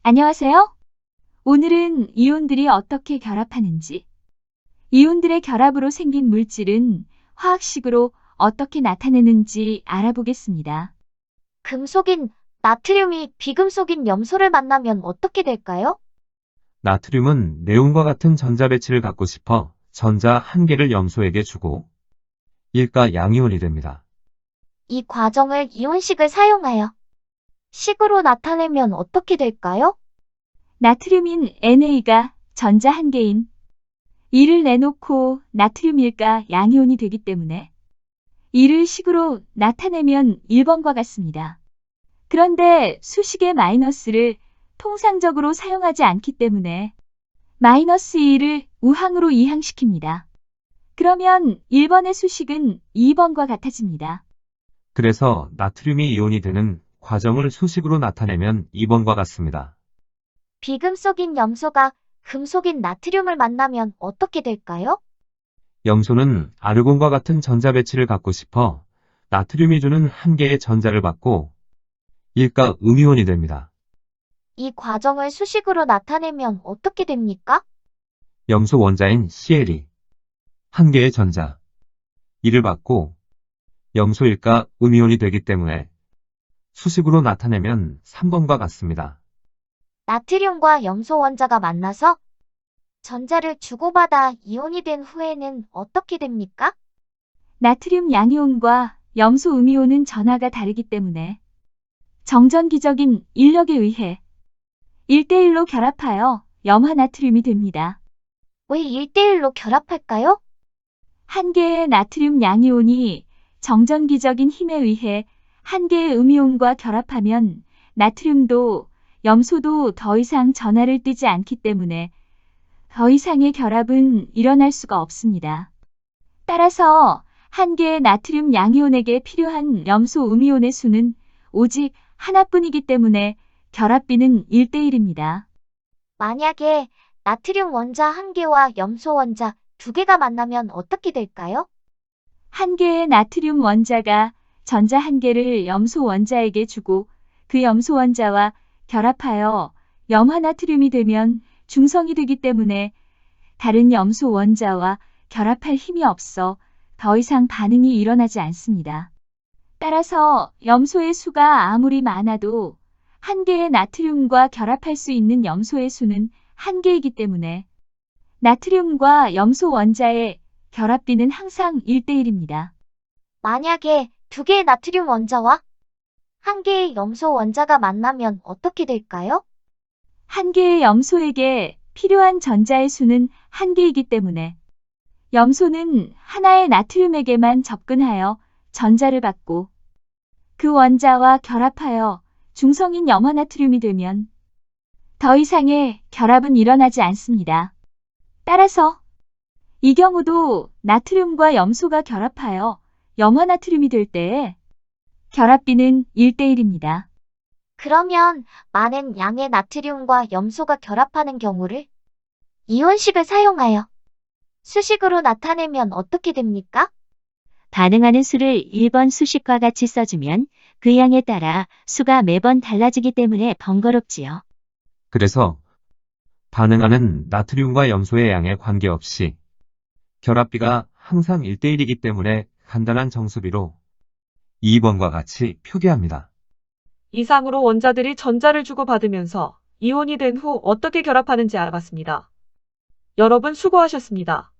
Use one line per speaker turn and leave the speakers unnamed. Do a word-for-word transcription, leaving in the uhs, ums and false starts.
안녕하세요. 오늘은 이온들이 어떻게 결합하는지, 이온들의 결합으로 생긴 물질은 화학식으로 어떻게 나타내는지 알아보겠습니다.
금속인 나트륨이 비금속인 염소를 만나면 어떻게 될까요?
나트륨은 네온과 같은 전자 배치를 갖고 싶어 전자 한 개를 염소에게 주고 일가 양이온이 됩니다.
이 과정을 이온식을 사용하여 식으로 나타내면 어떻게 될까요?
나트륨인 엔에이가 전자 한 개인 이를 내놓고 나트륨 일가 양이온이 되기 때문에 이를 식으로 나타내면 일 번과 같습니다. 그런데 수식의 마이너스를 통상적으로 사용하지 않기 때문에 마이너스 이를 우항으로 이항시킵니다. 그러면 일 번의 수식은 이 번과 같아집니다.
그래서 나트륨이 이온이 되는 과정을 수식으로 나타내면 이 번과 같습니다.
비금속인 염소가 금속인 나트륨을 만나면 어떻게 될까요?
염소는 아르곤과 같은 전자 배치를 갖고 싶어 나트륨이 주는 한 개의 전자를 받고 일가 음이온이 됩니다.
이 과정을 수식으로 나타내면 어떻게 됩니까?
염소 원자인 씨엘이 한 개의 전자 이를 받고 염소 일가 음이온이 되기 때문에 수식으로 나타내면 삼 번과 같습니다.
나트륨과 염소 원자가 만나서 전자를 주고받아 이온이 된 후에는 어떻게 됩니까?
나트륨 양이온과 염소 음이온은 전하가 다르기 때문에 정전기적인 인력에 의해 일 대 일로 결합하여 염화나트륨이 됩니다.
왜 일 대 일로 결합할까요?
한 개의 나트륨 양이온이 정전기적인 힘에 의해 한 개의 음이온과 결합하면 나트륨도 염소도 더 이상 전하를 띠지 않기 때문에 더 이상의 결합은 일어날 수가 없습니다. 따라서 한 개의 나트륨 양이온에게 필요한 염소 음이온의 수는 오직 하나뿐이기 때문에 결합비는 일 대 일입니다.
만약에 나트륨 원자 한 개와 염소 원자 두 개가 만나면 어떻게 될까요?
한 개의 나트륨 원자가 전자 한 개를 염소 원자에게 주고 그 염소 원자와 결합하여 염화나트륨이 되면 중성이 되기 때문에 다른 염소 원자와 결합할 힘이 없어 더 이상 반응이 일어나지 않습니다. 따라서 염소의 수가 아무리 많아도 한 개의 나트륨과 결합할 수 있는 염소의 수는 한 개이기 때문에 나트륨과 염소 원자의 결합비는 항상 일 대 일입니다.
만약에 두 개의 나트륨 원자와 한 개의 염소 원자가 만나면 어떻게 될까요?
한 개의 염소에게 필요한 전자의 수는 한 개이기 때문에 염소는 하나의 나트륨에게만 접근하여 전자를 받고 그 원자와 결합하여 중성인 염화나트륨이 되면 더 이상의 결합은 일어나지 않습니다. 따라서 이 경우도 나트륨과 염소가 결합하여 염화나트륨이 될 때에 결합비는 일 대 일입니다.
그러면 많은 양의 나트륨과 염소가 결합하는 경우를 이온식을 사용하여 수식으로 나타내면 어떻게 됩니까?
반응하는 수를 일 번 수식과 같이 써주면 그 양에 따라 수가 매번 달라지기 때문에 번거롭지요.
그래서 반응하는 나트륨과 염소의 양에 관계없이 결합비가 항상 일 대 일이기 때문에 간단한 정수비로 이 번과 같이 표기합니다.
이상으로 원자들이 전자를 주고받으면서 이온이 된 후 어떻게 결합하는지 알아봤습니다. 여러분 수고하셨습니다.